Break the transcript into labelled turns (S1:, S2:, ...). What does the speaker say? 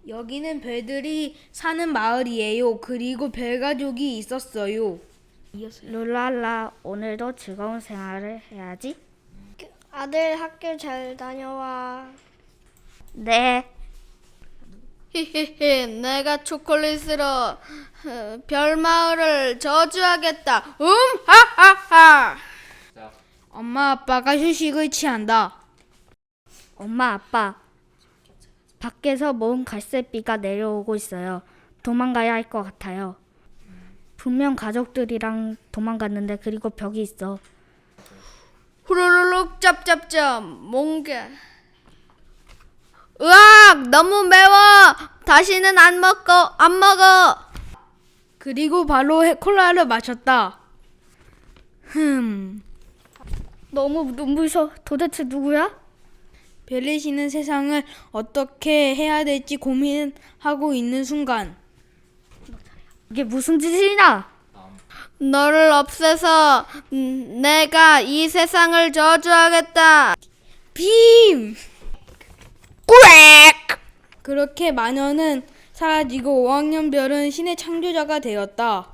S1: 여기는 별들이 사는 마을이에요. 그리고 별 가족이 있었어요.
S2: 룰랄라, 오늘도 즐거운 생활을 해야지.
S3: 아들 학교 잘 다녀와.
S2: 네.
S4: 히히히, 내가 초콜릿으로 별마을을 저주하겠다. 하하하.
S1: 엄마 아빠가 휴식을 취한다.
S2: 엄마, 아빠. 밖에서 먼 갈색비가 내려오고 있어요. 도망가야 할 것 같아요. 분명 가족들이랑 도망갔는데 그리고 벽이 있어.
S4: 후루룩 짭짭짭 몽개. 으악, 너무 매워. 다시는 안 먹어.
S1: 그리고 바로 콜라를 마셨다.
S2: 너무 눈부셔. 도대체 누구야?
S1: 별이 쉬는 세상을 어떻게 해야 될지 고민하고 있는 순간
S2: 이게 무슨 짓이냐?
S4: 너를 없애서 내가 이 세상을 저주하겠다.
S1: 빔! 꽥! 그렇게 마녀는 사라지고 5학년 별은 신의 창조자가 되었다.